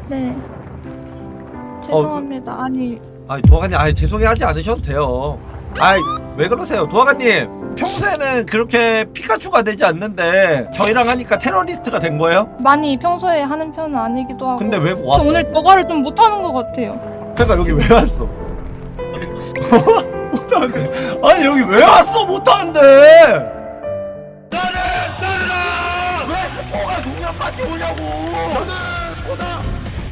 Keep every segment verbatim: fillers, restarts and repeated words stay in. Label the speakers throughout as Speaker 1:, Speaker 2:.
Speaker 1: 네. 죄송합니다. 아니,
Speaker 2: 아니 도화관님, 아니 죄송해하지 않으셔도 돼요. 아이 왜 그러세요 도화관님. 평소에는 그렇게 피카츄가 되지 않는데 저희랑 하니까 테러리스트가 된 거예요?
Speaker 1: 많이 평소에 하는 편은 아니기도 하고.
Speaker 2: 근데 왜
Speaker 1: 저
Speaker 2: 왔어?
Speaker 1: 오늘 저거를 좀 못하는 것 같아요.
Speaker 2: 그러니까 여기 왜 왔어? 못하는데. 아니 여기 왜 왔어? 못하는데. 나는 나는 왜 스포가 동년밖에 오냐고. 저는 스포다.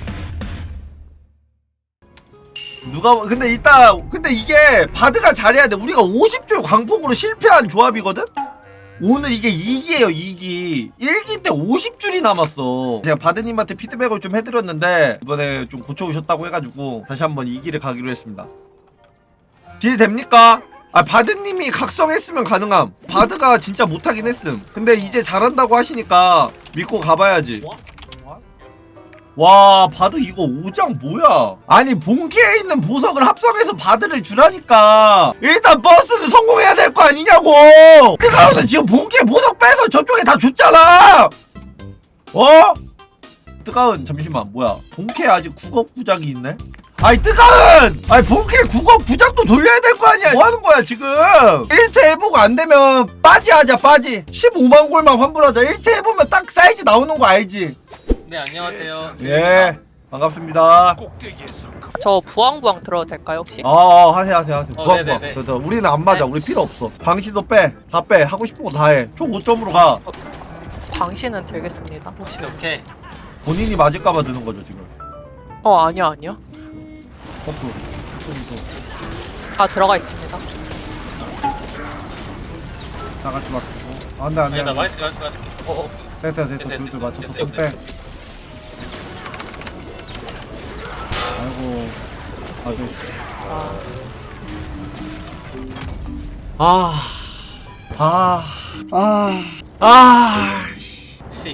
Speaker 2: 누가 근데 이따 근데 이게 바드가 잘해야 돼. 우리가 오십 줄 광폭으로 실패한 조합이거든. 오늘 이게 이 기예요. 이 기. 일 기 때 오십 줄이 남았어. 제가 바드님한테 피드백을 좀 해드렸는데 이번에 좀 고쳐오셨다고 해가지고 다시 한번 이 기를 가기로 했습니다. 딜 됩니까? 아 바드님이 각성했으면 가능함. 바드가 진짜 못하긴 했음. 근데 이제 잘한다고 하시니까 믿고 가봐야지. 와 바드 이거 오 장 뭐야. 아니 본캐에 있는 보석을 합성해서 바드를 주라니까. 일단 버스는 성공해야 될 거 아니냐고. 뜨가우는 지금 본캐 보석 빼서 저쪽에 다 줬잖아. 어? 뜨가운 잠시만 뭐야 본캐 아직 국업 구작이 있네. 아이 뜨가운! 아이 본캐 국업 구작도 돌려야 될 거 아니야. 뭐하는 거야 지금. 일 태 해보고 안되면 빠지 하자. 빠지 십오만 골만 환불하자. 일 태 해보면 딱 사이즈 나오는 거 알지?
Speaker 3: 네 안녕하세요.
Speaker 2: 예 반갑습니다.
Speaker 4: 저 부황부황 들어도 될까요 혹시?
Speaker 2: 어, 어 하세요 하세요 하세요.
Speaker 3: 어,
Speaker 2: 부항
Speaker 3: 네네네.
Speaker 2: 부항. 그래서 우리는 안 맞아. 우리 필요 없어. 방시도 빼. 다 빼. 하고 싶은 거 다 해. 총 오 점으로 가.
Speaker 4: 광신은 들겠습니다 혹시?
Speaker 3: 오케이 오케이.
Speaker 2: 본인이 맞을까봐 드는 거죠 지금.
Speaker 4: 어 아니요 아니요
Speaker 2: 버프.
Speaker 4: 다 들어가 있습니다.
Speaker 2: 다 같이 맞추고. 안돼 안돼.
Speaker 3: 아니 나 마이크 가지고 가줄게. 어어.
Speaker 2: 됐어 됐어.
Speaker 3: 됐어,
Speaker 2: 둘둘
Speaker 3: 됐어,
Speaker 2: 맞춰서
Speaker 3: 됐어,
Speaker 2: 좀 빼.
Speaker 3: 됐어.
Speaker 2: 아이고. 아 네.
Speaker 4: 아,
Speaker 2: 아. 아. 아. 아.
Speaker 3: 혹시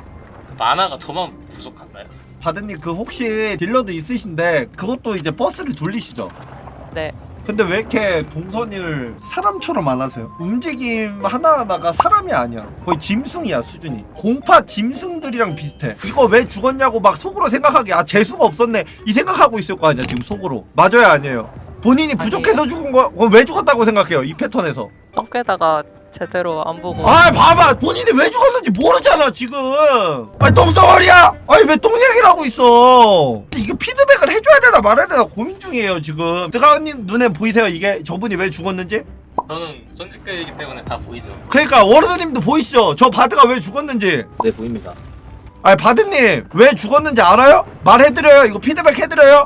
Speaker 3: 만화가 저만 부족한가요?
Speaker 2: 바드님 그 혹시 딜러도 있으신데 그것도 이제 버스를 돌리시죠?
Speaker 4: 네.
Speaker 2: 근데 왜 이렇게 동선을 사람처럼 안 하세요? 움직임 하나하나가 사람이 아니야. 거의 짐승이야 수준이. 공파 짐승들이랑 비슷해. 이거 왜 죽었냐고 막 속으로 생각하게 아 재수가 없었네 이 생각하고 있을 거 아니야 지금 속으로. 맞아요 아니에요? 본인이 부족해서 죽은 거 그럼 왜 죽었다고 생각해요 이 패턴에서?
Speaker 4: 똥개다가 제대로 안 보고.
Speaker 2: 아 봐봐 본인이 왜 죽었는지 모르잖아 지금. 아니 똥덩어리야. 아니 왜 똥얘기를 하고 있어. 이거 피드백을 해줘야 되나 말아야 되나 고민 중이에요 지금. 뜨가은님 눈에 보이세요 이게 저분이 왜 죽었는지?
Speaker 3: 저는 손짓글이기 때문에 다 보이죠.
Speaker 2: 그러니까 워르드님도 보이시죠 저 바드가 왜 죽었는지.
Speaker 5: 네 보입니다.
Speaker 2: 아니 바드님 왜 죽었는지 알아요? 말해드려요. 이거 피드백 해드려요.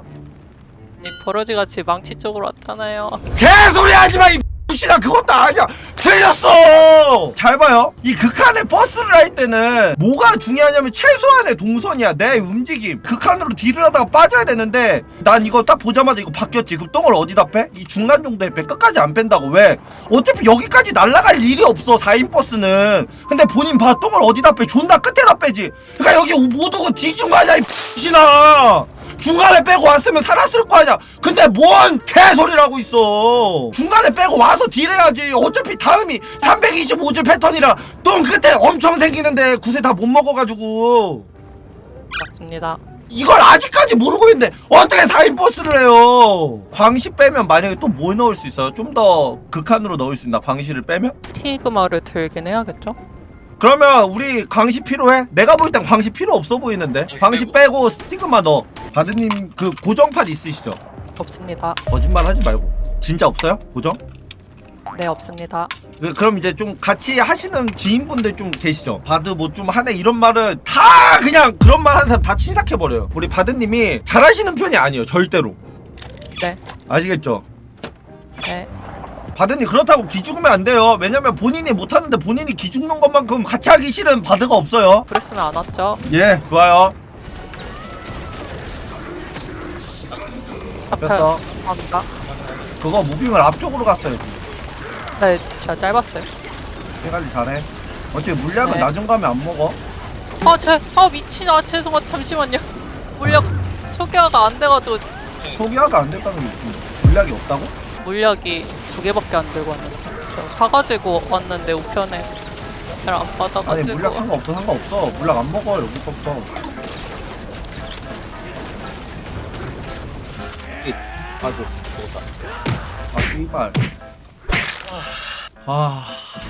Speaker 4: 이 버러지같이 망치 쪽으로 왔잖아요.
Speaker 2: 개소리 하지마 이 씨나. 그것도 아니야. 틀렸어. 잘 봐요. 이 극한의 버스를 할 때는 뭐가 중요하냐면 최소한의 동선이야. 내 움직임. 극한으로 딜을 하다가 빠져야 되는데 난 이거 딱 보자마자 이거 바뀌었지. 그럼 똥을 어디다 빼? 이 중간 정도에 빼. 끝까지 안 뺀다고. 왜? 어차피 여기까지 날아갈 일이 없어 사 인 버스는. 근데 본인 봐. 똥을 어디다 빼? 존나 끝에다 빼지. 그러니까 여기 못 오고 뒤진 거 아니야 이 씨나. 중간에 빼고 왔으면 살았을 거 아니야. 근데 뭔 개소리를 하고 있어. 중간에 빼고 와서 딜해야지. 어차피 다음이 삼백이십오 줄 패턴이라 똥 끝에 엄청 생기는데 구세 다 못 먹어가지고.
Speaker 4: 맞습니다.
Speaker 2: 이걸 아직까지 모르고 있는데 어떻게 사 인 버스를 해요. 광시 빼면 만약에 또 뭐 넣을 수 있어요? 좀 더 극한으로 넣을 수 있나? 광시를 빼면?
Speaker 4: 티그마를 들긴 해야겠죠?
Speaker 2: 그러면 우리 광시 필요해? 내가 볼 땐 광시 필요 없어 보이는데. 광시 빼고 스티그마 넣어. 바드님 그 고정판 있으시죠?
Speaker 4: 없습니다.
Speaker 2: 거짓말 하지 말고. 진짜 없어요? 고정?
Speaker 4: 네 없습니다.
Speaker 2: 그, 그럼 이제 좀 같이 하시는 지인분들 좀 계시죠? 바드 뭐 좀 하네 이런 말을 다 그냥 그런 말 하는 사람 다 친삭해버려요. 우리 바드님이 잘하시는 편이 아니에요 절대로.
Speaker 4: 네.
Speaker 2: 아시겠죠?
Speaker 4: 네.
Speaker 2: 바드님 그렇다고 기죽으면 안 돼요. 왜냐면 본인이 못하는데 본인이 기죽는 것만큼 같이 하기 싫은 바드가 없어요.
Speaker 4: 그랬으면 안 왔죠.
Speaker 2: 예 좋아요.
Speaker 4: 앞에
Speaker 2: 됐어.
Speaker 4: 감사합니다.
Speaker 2: 그거 무빙을 앞쪽으로 갔어야지.
Speaker 4: 네 제가 짧았어요.
Speaker 2: 해관리 잘해. 어차피 물량은
Speaker 4: 네.
Speaker 2: 나중 가면 안 먹어.
Speaker 4: 아, 제, 아 미친, 아 죄송합니다. 잠시만요. 물약 소개가 안 돼가지고
Speaker 2: 소개화가 안 됐다는 게 무슨 물량이 없다고?
Speaker 4: 물약이 두 개밖에 안 들고 왔는데 저 사가지고 왔는데 우편에 잘 안
Speaker 2: 아니
Speaker 4: 받아가지고.
Speaker 2: 물량 상관없어 상관없어. 물량 안 먹어 여기서부터. 아이고 아 이발 아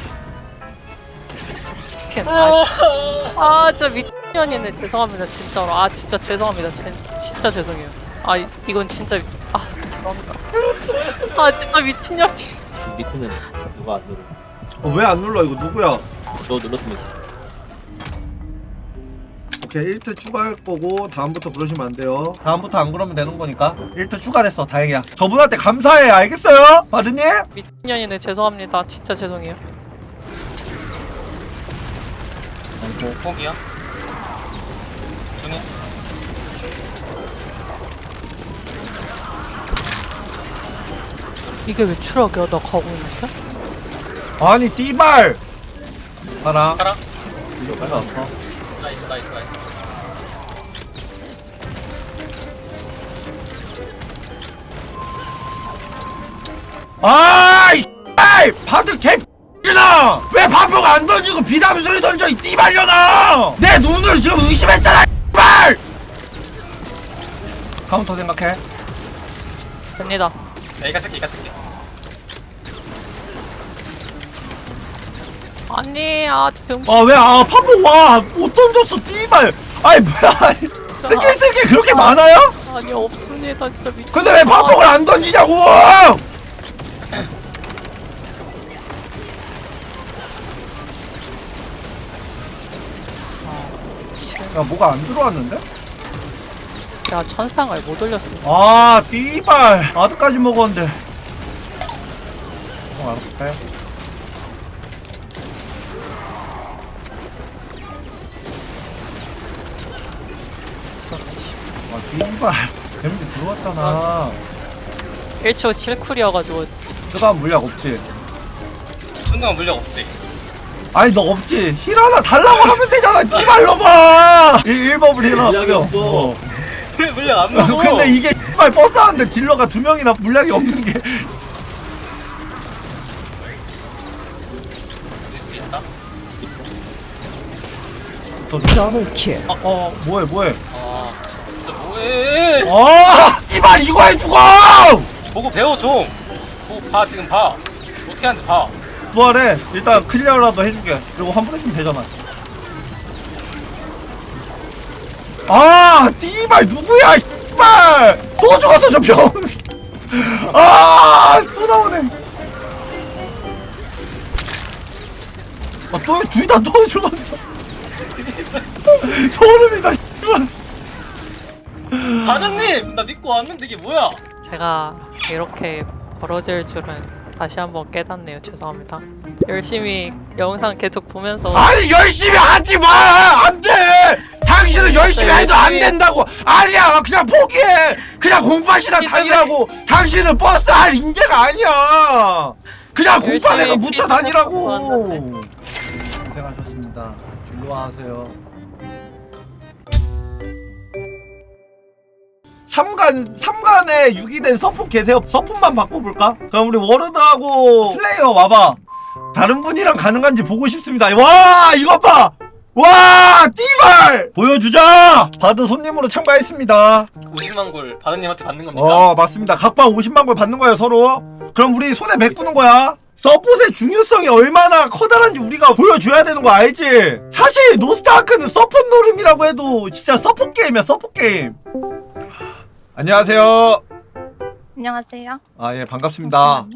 Speaker 4: 캠. 아, 아 진짜 미친년이네. 죄송합니다 진짜로. 아 진짜 죄송합니다. 제, 진짜 죄송해요. 아 이- 이건 진짜 아 죄송합니다. 아 진짜 미친년이.
Speaker 5: 밑에는 누가 안 누르?
Speaker 2: 어, 왜 안 눌러 이거 누구야?
Speaker 5: 저 눌렀습니다.
Speaker 2: 오케이 일 트 추가할 거고 다음부터 그러시면 안 돼요. 다음부터 안 그러면 되는 거니까 일 트 추가됐어. 다행이야. 저분한테 감사해. 알겠어요? 바드님?
Speaker 4: 미친년이네. 죄송합니다. 진짜 죄송해요.
Speaker 3: 뭐 포기야? 중에
Speaker 4: 이게 왜 추락이야? 나 가고 있는데?
Speaker 2: 아니 띠발 하나
Speaker 3: 가라.
Speaker 2: 이거 가져왔어.
Speaker 3: 나이스 나이스 나이스.
Speaker 2: 아이 아이 바드 개 X나 왜 바보가 안 던지고 비담 소리 던져 이 띠발려나 내 눈을 지금 의심했잖아 띠발 카운터 생각해.
Speaker 4: 됩니다.
Speaker 3: 야 이가 쓸게 이가 쓸게.
Speaker 4: 아니 아 병신.
Speaker 2: 아 왜 아 파보 와못 던졌어 띠발 아이 뭐야 스킬 스킬 그렇게 많아요?
Speaker 4: 아니 없습니다. 진짜 미친.
Speaker 2: 근데 왜 파폭을 안 던지냐고! 야 뭐가 안 들어왔는데?
Speaker 4: 야 천상을 못 올렸어.
Speaker 2: 아 띠발 아드까지 먹었는데. 어 알았어. 아 띠발 데미지 들어왔잖아.
Speaker 4: 일 초 칠 쿨이어가지고
Speaker 2: 뜨거운 물약 없지?
Speaker 3: 순간 물력 없지.
Speaker 2: 아니 너 없지? 힐 하나 달라고 하면 되잖아 띠발 놈아! 일 법을 힐 하나
Speaker 5: 물약이
Speaker 2: 뿌려.
Speaker 5: 없어.
Speaker 2: 어.
Speaker 3: 왜 물력 안 먹어?
Speaker 2: 근데 이게 말 버스 하는데 딜러가 두 명이나 물량이 없는 게.
Speaker 3: 될 수 있다.
Speaker 2: 더블 킬. 어, 어, 뭐해, 뭐해?
Speaker 3: 아 진짜 뭐해?
Speaker 2: 아, 이발 이거 해 죽어!
Speaker 3: 보고 배워 좀. 보고 봐 지금 봐. 어떻게 하는지 봐.
Speaker 2: 부활해. 일단 클리어라도 해줄게. 그리고 환불해주면 되잖아. 아, 띠발 누구야? 이발 또 죽었어 저 병. 아, 또 나오네. 아, 또 둘 다 또 죽었어. 소름이다. 이발.
Speaker 3: 바드님 나 믿고 왔는데 이게 뭐야?
Speaker 4: 제가 이렇게 벌어질 줄은 다시 한번 깨닫네요. 죄송합니다. 열심히 영상 계속 보면서
Speaker 2: 아니 열심히 하지 마! 안 돼! 당신은 열심히 해도 안 된다고! 아니야! 그냥 포기해! 그냥 공파시나 다니라고! 당신은 버스 할 인재가 아니야! 그냥 공판에서 묻혀 다니라고! 고생하셨습니다. 진로하세요. 삼간, 삼간에 육이 된 서폿 계세요? 서폿만 바꿔볼까? 그럼 우리 워르드하고 슬레이어 와봐. 다른 분이랑 가능한지 보고 싶습니다. 와 이것 봐! 와 띠발! 보여주자! 바드 손님으로 참가했습니다.
Speaker 3: 오십만 골 바드님한테 받는 겁니까?
Speaker 2: 어 맞습니다. 각방 오십만 골 받는 거예요 서로. 그럼 우리 손에 메꾸는 거야. 서폿의 중요성이 얼마나 커다란지 우리가 보여줘야 되는 거 알지? 사실 노스타크는 서폿 노름이라고 해도 진짜 서폿 게임이야 서폿 게임. 안녕하세요.
Speaker 1: 안녕하세요.
Speaker 2: 아 예 반갑습니다.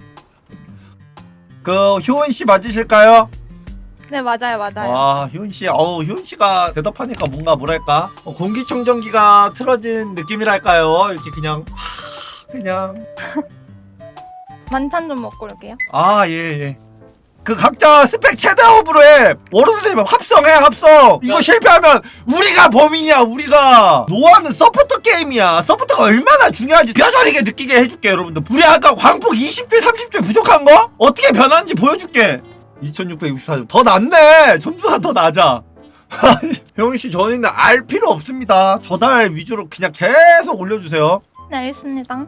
Speaker 2: 그 효은 씨 맞으실까요?
Speaker 1: 네 맞아요 맞아요.
Speaker 2: 와 효은 씨, 어우 효은 씨가 대답하니까 뭔가 뭐랄까 어, 공기청정기가 틀어진 느낌이랄까요? 이렇게 그냥 하, 그냥
Speaker 1: 반찬 좀 먹고 올게요.
Speaker 2: 아 예 예. 그 각자 스펙 최대업으로 해. 워로드님 합성해 합성. 이거 실패하면 우리가 범인이야 우리가. 노아는 서포터 게임이야. 서포터가 얼마나 중요한지 뼈저리게 느끼게 해줄게 여러분들. 우리 아까 광폭 이십 줄 삼십 줄 부족한 거? 어떻게 변하는지 보여줄게. 이천육백육십사 점 더 낫네. 점수가 더 낮아. 형씨 저희는 알 필요 없습니다. 저달 위주로 그냥 계속 올려주세요.
Speaker 1: 네 알겠습니다.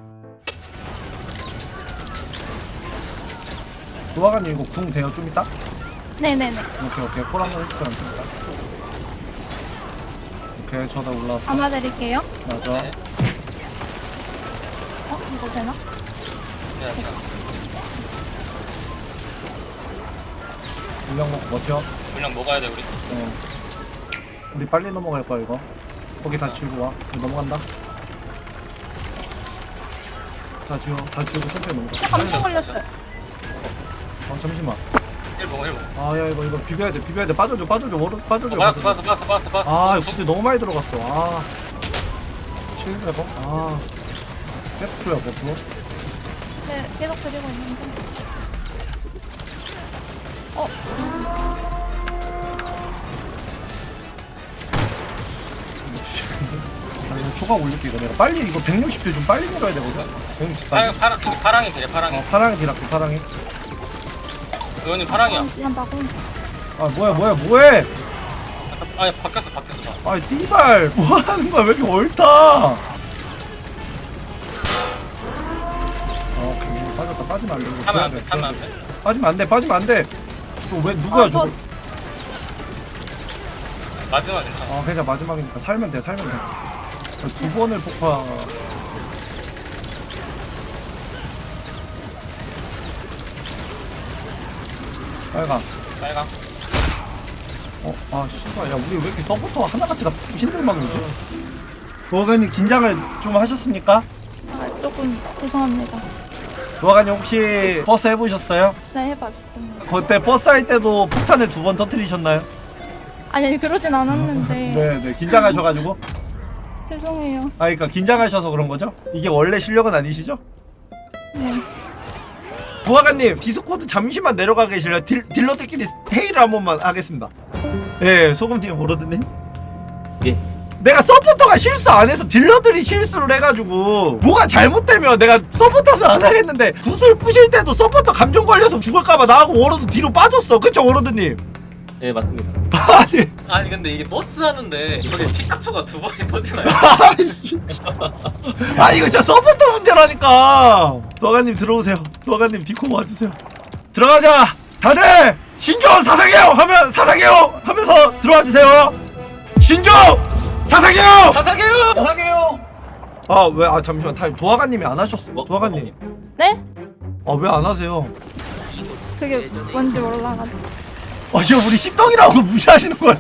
Speaker 2: 노아가님 이거 궁 돼요 좀 이따?
Speaker 1: 네네네.
Speaker 2: 오케이 오케이 콜 한번 해주세요. 오케이 저다 올라왔어.
Speaker 1: 담아드릴게요.
Speaker 2: 맞아.
Speaker 3: 네.
Speaker 1: 어? 이거 되나?
Speaker 3: 야, 자,
Speaker 2: 물량 먹고 버텨.
Speaker 3: 물량 먹어야 돼 우리.
Speaker 2: 어. 우리 빨리 넘어갈 거야 이거. 거기 다 지우고 와. 이거 넘어간다. 다 지워. 다 지우고 천천히 넘어가.
Speaker 1: 깜짝 걸렸어요.
Speaker 2: 어 잠시만.
Speaker 3: 일 먹어 일 먹어.
Speaker 2: 아야 이거 이거 비벼야 돼. 비벼야 돼. 빠져줘. 빠져줘. 워로 빠져줘.
Speaker 3: 어, 빠졌어
Speaker 2: 빠져줘.
Speaker 3: 빠졌어 빠졌어 빠졌어 빠졌어.
Speaker 2: 아
Speaker 3: 어,
Speaker 2: 이거 구슬 너무 많이 들어갔어. 아. 칠 레버. 아. 백프야 백프.
Speaker 1: 네, 계속 드리고 있는데. 어?
Speaker 2: 아 이거 초과 올릴게 이거 내가 빨리 이거 백육십 줄 좀 빨리 밀어야 되거든. 백육십
Speaker 3: 파랑
Speaker 2: 줄.
Speaker 3: 파랑 저기 파랑이 되게 파랑이.
Speaker 2: 어 파랑이 디락해 파랑이.
Speaker 3: 의원님 파랑이야.
Speaker 1: 한다고?
Speaker 2: 아 뭐야 뭐야 뭐해?
Speaker 3: 아니 바뀌었어 바뀌었어. 봐.
Speaker 2: 아이 띠발 뭐 하는 거야 왜 이렇게 옳다? 어 오케이 빠졌다 빠지면 안 돼. 이거
Speaker 3: 하면 안
Speaker 2: 줘야
Speaker 3: 돼
Speaker 2: 돼,
Speaker 3: 하면
Speaker 2: 줘야
Speaker 3: 안
Speaker 2: 돼.
Speaker 3: 돼.
Speaker 2: 빠지면 안 돼 빠지면 안 돼. 또 왜 누구야
Speaker 1: 아, 저-
Speaker 2: 저거?
Speaker 3: 마지막 괜찮아.
Speaker 2: 어 그냥 마지막이니까 살면 돼 살면 돼. 두 번을 폭파. 빨강.
Speaker 3: 빨강.
Speaker 2: 어, 아, 씨발, 야, 우리 왜 이렇게 서포터 하나같이 다 신들막이지? 도화관님 긴장을 좀 하셨습니까?
Speaker 1: 아, 조금 죄송합니다.
Speaker 2: 도화관님 혹시 버스 해보셨어요?
Speaker 1: 네, 해봤습니다.
Speaker 2: 그때 버스 할 때도 폭탄을 두 번 터뜨리셨나요?
Speaker 1: 아니, 그러진 않았는데.
Speaker 2: 네, 네, 긴장하셔가지고.
Speaker 1: 죄송해요.
Speaker 2: 아, 그러니까 긴장하셔서 그런 거죠? 이게 원래 실력은 아니시죠?
Speaker 1: 네.
Speaker 2: 도화관님 디스코드 잠시만 내려가 계실래요? 딜, 딜러들끼리 회의를 한 번만 하겠습니다. 예, 소금팀 모르드님.
Speaker 5: 예.
Speaker 2: 내가 서포터가 실수 안 해서 딜러들이 실수를 해가지고 뭐가 잘못되면 내가 서포터는 안 하겠는데 구슬 부실 때도 서포터 감정 걸려서 죽을까봐 나하고 워로드 뒤로 빠졌어. 그쵸 워로드님?
Speaker 5: 네 맞습니다.
Speaker 2: 아니
Speaker 3: 아니 근데 이게 버스 하는데 저게 피카츄가 두 번이 터지나요?
Speaker 2: 아이씨. 아 이거 진짜 서포터 문제라니까. 도화관님 들어오세요. 도화관님 디코 와주세요. 들어가자. 다들 신조 사사게요 하면 사사게요 하면서 들어와 주세요. 신조 사사게요.
Speaker 3: 사사게요! 사사게요!
Speaker 2: 아 왜 아 잠시만 타임 도화관님이 안 하셨어.
Speaker 5: 뭐?
Speaker 2: 도화관님.
Speaker 1: 네?
Speaker 2: 아 왜 안 하세요?
Speaker 1: 그게 뭔지 몰라가지고.
Speaker 2: 아 지금 우리 십덩이라고 무시하시는 거예요?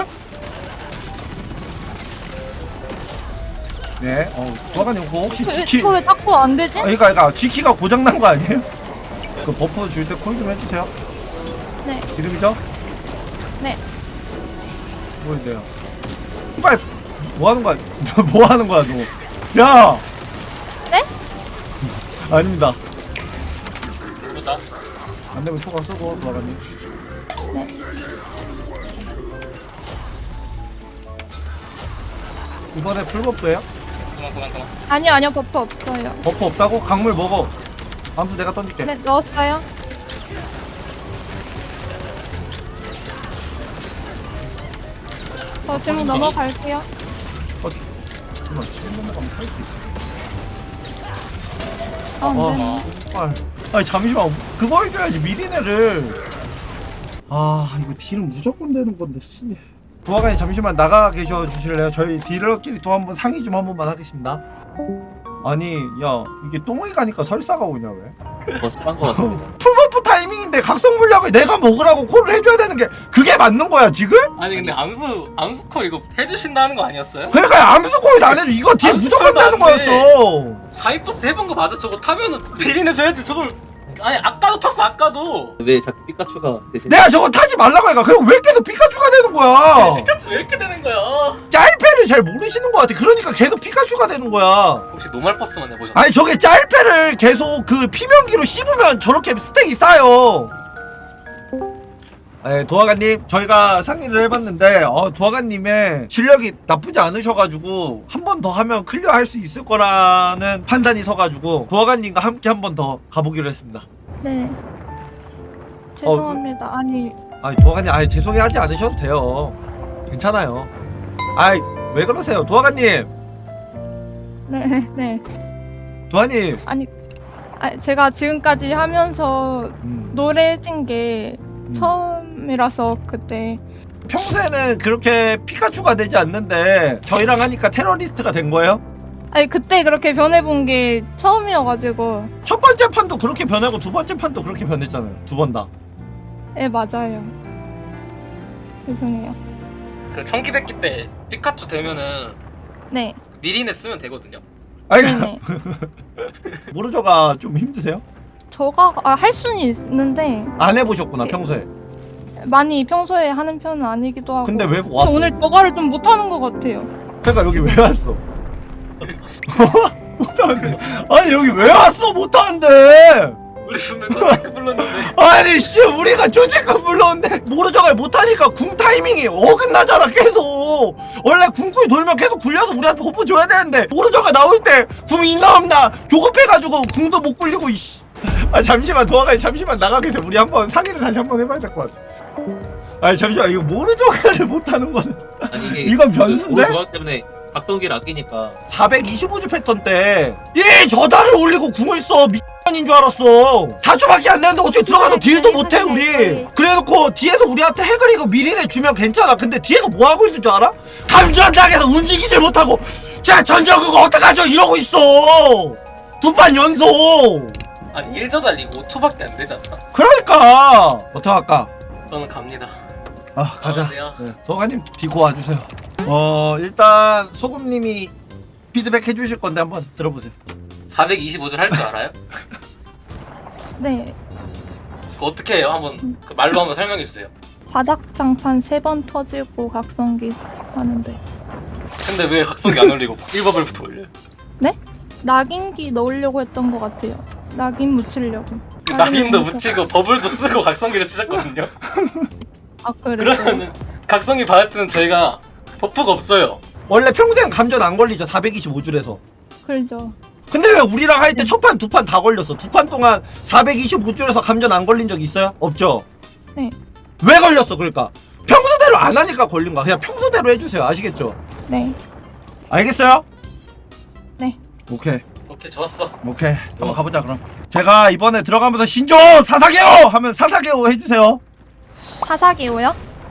Speaker 2: 네. 어 도화관님 그거 혹시
Speaker 1: 그,
Speaker 2: 지키
Speaker 1: 이거 왜 자꾸 안 되지?
Speaker 2: 아, 그러니까 그러니까 지키가 고장 난 거 아니에요? 그 버프 줄 때 콜 좀 해주세요.
Speaker 1: 네.
Speaker 2: 지금이죠?
Speaker 1: 네.
Speaker 2: 뭐인데요? 빨리 뭐 하는 거야? 너 뭐 하는 거야 너? 야!
Speaker 1: 네?
Speaker 2: 아닙니다.
Speaker 3: 보자.
Speaker 2: 안 되면 초과 쓰고 도화관님.
Speaker 1: 네.
Speaker 2: 이번에 풀버프예요?
Speaker 3: 그만 그만 그만.
Speaker 1: 아니요, 아니요, 버프 없어요.
Speaker 2: 버프 없다고? 강물 먹어. 암수 내가 던질게.
Speaker 1: 네, 넣었어요. 저 질문 넘어갈게요.
Speaker 2: 잠깐만 지금 넘어가면 살 수 있어.
Speaker 1: 아, 안
Speaker 2: 어.
Speaker 1: 되네.
Speaker 2: 헐. 아니 잠시만 그거 해줘야지 미리네를. 아 이거 딜은 무조건 되는 건데 씨. 도화관이 잠시만 나가 계셔 주실래요? 저희 딜러끼리 또 한번 상의 좀 한 번만 하겠습니다. 아니 야 이게 똥이 가니까 설사가 오냐 왜?
Speaker 5: 버스 딴거 같습니다.
Speaker 2: 풀버프 타이밍인데 각성 물약을 내가 먹으라고 콜을 해줘야 되는 게 그게 맞는 거야 지금?
Speaker 3: 아니 근데 암수 암수콜 이거 해주신다는 거 아니었어요?
Speaker 2: 그러니까 암수 콜이 안 해줘. 이거 딜
Speaker 3: 암수
Speaker 2: 무조건
Speaker 3: 콜도
Speaker 2: 되는
Speaker 3: 안 돼.
Speaker 2: 거였어.
Speaker 3: 사이버스 해본 거 맞아? 저거 타면은 비리는 줘야지 저걸. 아니 아까도 탔어 아까도.
Speaker 5: 왜 자꾸 피카츄가 대신
Speaker 2: 내가 저거 타지 말라고 하니까 그리고 왜 계속 피카츄가 되는 거야?
Speaker 3: 피카츄 왜 이렇게 되는 거야?
Speaker 2: 짤패를 잘 모르시는 것 같아. 그러니까 계속 피카츄가 되는 거야.
Speaker 3: 혹시 노말 버스만 해보셨나요?
Speaker 2: 아니 저게 짤패를 계속 그 피면기로 씹으면 저렇게 스택이 쌓여. 네, 도화관님 저희가 상의를 해봤는데 어, 도화관님의 실력이 나쁘지 않으셔가지고 한 번 더 하면 클리어할 수 있을 거라는 판단이 서가지고 도화관님과 함께 한 번 더 가보기로 했습니다.
Speaker 1: 네. 죄송합니다. 아니,
Speaker 2: 아니 도화관님 아니 죄송해하지 않으셔도 돼요. 괜찮아요. 아이 왜 그러세요 도화관님.
Speaker 1: 네, 네.
Speaker 2: 도화님
Speaker 1: 아니, 아니, 제가 지금까지 하면서
Speaker 2: 음,
Speaker 1: 노래진 게
Speaker 2: 음.
Speaker 1: 처음이라서 그때.
Speaker 2: 평소에는 그렇게 피카츄가 되지 않는데 저희랑 하니까 테러리스트가 된 거예요?
Speaker 1: 아니 그때 그렇게 변해본 게 처음이어가지고.
Speaker 2: 첫 번째 판도 그렇게 변하고 두 번째 판도 그렇게 변했잖아요. 두 번 다.
Speaker 1: 예 맞아요. 죄송해요.
Speaker 3: 그 청기백기 때 피카츄 되면은
Speaker 1: 네.
Speaker 3: 미리네 쓰면 되거든요.
Speaker 2: 아니
Speaker 1: 네네.
Speaker 2: 모르죠가 좀 힘드세요?
Speaker 1: 저가 아, 할 수는 있는데
Speaker 2: 안 해보셨구나
Speaker 1: 네.
Speaker 2: 평소에.
Speaker 1: 많이 평소에 하는 편은 아니기도 하고.
Speaker 2: 근데 왜
Speaker 1: 저
Speaker 2: 왔어?
Speaker 1: 오늘 저거를 좀 못하는 것 같아요.
Speaker 2: 그러니까 여기 왜 왔어? 못하는데. 아니 여기 왜 왔어? 못하는데.
Speaker 3: 우리 분명 컨택 불렀는데.
Speaker 2: 아니 씨 우리가 조직급 불렀는데 모르죠가 못하니까 궁 타이밍이 어긋나잖아 계속. 원래 궁구이 돌면 계속 굴려서 우리한테 호프 줘야 되는데 모르죠가 나올 때 궁 있나 없나 조급해가지고 궁도 못 굴리고 이씨. 아 잠시만 도화가니 잠시만 나가 계세요. 우리 한번 상의를 다시 한번 해봐야 될 것 같아. 아니 잠시만 이거 모르죠가를 못하는 거는
Speaker 5: 아니 이게
Speaker 2: 이건 변수인데?
Speaker 5: 그 조합 때문에 각성기를 아끼니까
Speaker 2: 사백이십오 주 패턴 때 이 저달을 올리고 궁을 써 미친인 줄 알았어. 사 주밖에 안 되는데 어떻게 들어가서 딜도 못해 우리. 그래놓고 뒤에서 우리한테 핵을 이거 미리내 주면 괜찮아. 근데 뒤에서 뭐 하고 있는 줄 알아? 감전당해서 움직이질 못하고 자 전적 그거 어떡하죠 이러고 있어. 두 판 연속.
Speaker 3: 아니 일 저 달리고 오 초밖에 안 되지 않나?
Speaker 2: 그러니까 어떡할까?
Speaker 3: 저는 갑니다.
Speaker 2: 아 가자.
Speaker 3: 아, 네요.
Speaker 2: 네, 도가님 디고 와주세요. 어 일단 소금님이 피드백 해주실 건데 한번 들어보세요.
Speaker 3: 사백이십오 줄 할 줄 알아요?
Speaker 1: 네.
Speaker 3: 그거 어떻게 해요? 한번 그 말로 한번 설명해 주세요.
Speaker 1: 바닥 장판 세 번 터지고 각성기 하는데.
Speaker 3: 근데 왜 각성기 안 올리고 일 버블부터 올려요?
Speaker 1: 네? 낙인기 넣으려고 했던 것 같아요. 낙인 묻히려고.
Speaker 3: 낙인도
Speaker 1: 묻혀-
Speaker 3: 묻히고 버블도 쓰고 각성기를 쓰셨거든요.
Speaker 1: 아 그래요?
Speaker 3: 그러면은 각성기 받을 때는 저희가 버프가 없어요.
Speaker 2: 원래 평생 감전 안 걸리죠 사백이십오 줄에서.
Speaker 1: 그렇죠.
Speaker 2: 근데 왜 우리랑 할 때 첫 판 두 판 다 걸렸어? 두 판 동안 사백이십오 줄에서 감전 안 걸린 적 있어요? 없죠?
Speaker 1: 네.
Speaker 2: 왜 걸렸어 그러니까? 평소대로 안 하니까 걸린 거야. 그냥 평소대로 해주세요. 아시겠죠?
Speaker 1: 네.
Speaker 2: 알겠어요?
Speaker 1: 네.
Speaker 2: 오케이
Speaker 3: 오케이 좋았어.
Speaker 2: 오케이 한번 가보자 그럼. 제가 이번에 들어가면서 신조 사사게오 하면 사사게오 해주세요.
Speaker 1: 사사기호요?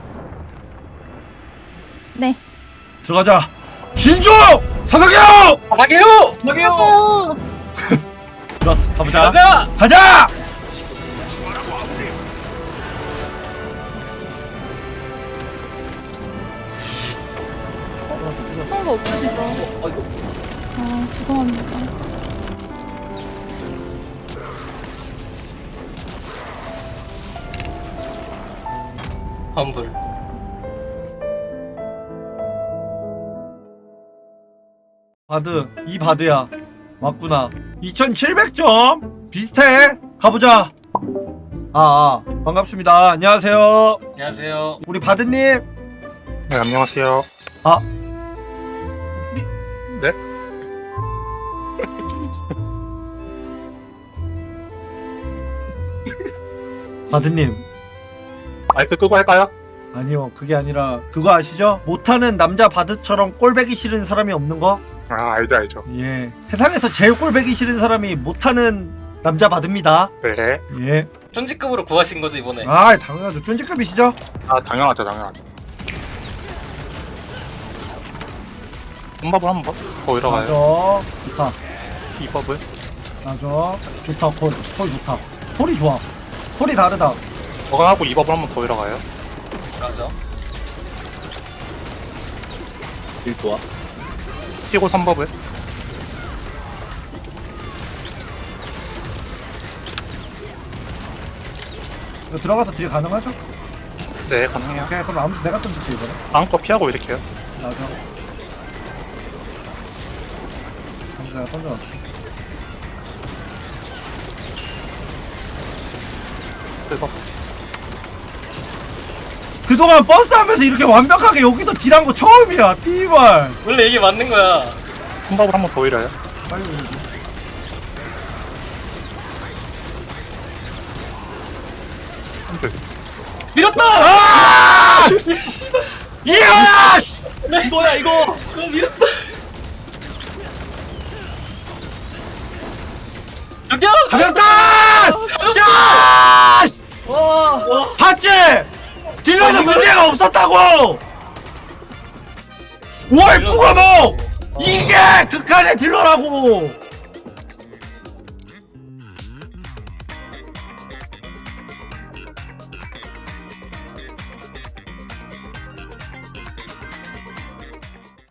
Speaker 1: 네.
Speaker 2: 들어가자. 신조 사사게오.
Speaker 3: 사사게요!
Speaker 1: 사사기호!
Speaker 2: 좋았어 가보자.
Speaker 3: 가자!
Speaker 2: 가자.
Speaker 1: 그런 거 없으시죠? 아 죄송합니다.
Speaker 3: 환불.
Speaker 2: 바드 이 바드야 맞구나. 이천칠백 점 비슷해. 가보자. 아, 아 반갑습니다. 안녕하세요.
Speaker 3: 안녕하세요.
Speaker 2: 우리 바드님.
Speaker 6: 네, 안녕하세요.
Speaker 2: 아
Speaker 6: 네?
Speaker 2: 바드님.
Speaker 6: 마이크 끄고 할까요?
Speaker 2: 아니요 그게 아니라 그거 아시죠? 못하는 남자 바드처럼 꼴배기 싫은 사람이 없는 거?
Speaker 6: 아, 알죠, 알죠.
Speaker 2: 예 세상에서 제일 꼴배기 싫은 사람이 못하는 남자 바드입니다.
Speaker 6: 네.
Speaker 2: 예
Speaker 3: 쫀지급으로 구하신 거죠 이번에?
Speaker 2: 아 당연하죠. 쫀지급이시죠?
Speaker 6: 아, 당연하죠, 당연하죠. 음밥을 한번 더 잃어가요.
Speaker 2: 맞아 좋다.
Speaker 6: 이 법을.
Speaker 2: 맞아 좋다. 콜, 콜 좋다. 콜이 좋아. 콜이 다르다.
Speaker 6: 저거 하고 이 법을 한번 더 잃어가요.
Speaker 3: 맞아.
Speaker 5: 딜 좋아.
Speaker 6: 뛰고 삼 법을.
Speaker 2: 이거 들어가서 딜 가능하죠?
Speaker 6: 네, 가능해요.
Speaker 2: 오케이 그럼 아무튼 내가 던질게 이거는.
Speaker 6: 다음 거 피하고 이렇게요.
Speaker 2: 맞아 아무튼 내가 던져놨어.
Speaker 6: 그래서
Speaker 2: 그동안 버스 하면서 이렇게 완벽하게 여기서 딜한 거 처음이야. 띠발
Speaker 3: 원래 이게 맞는 거야.
Speaker 6: 삼 법을 한번 더 잃어요.
Speaker 2: 빨리 올리지.
Speaker 6: 한줄.
Speaker 3: 밀었다!
Speaker 2: 아! 이야!
Speaker 3: 이거야 이거! 이거 밀었다! 저기요!
Speaker 2: 가볍다! 짜!
Speaker 3: 와!
Speaker 2: 봤지? 딜러는 문제가 없었다고! 월 뿌가 뭐! 이게 극한의 딜러라고.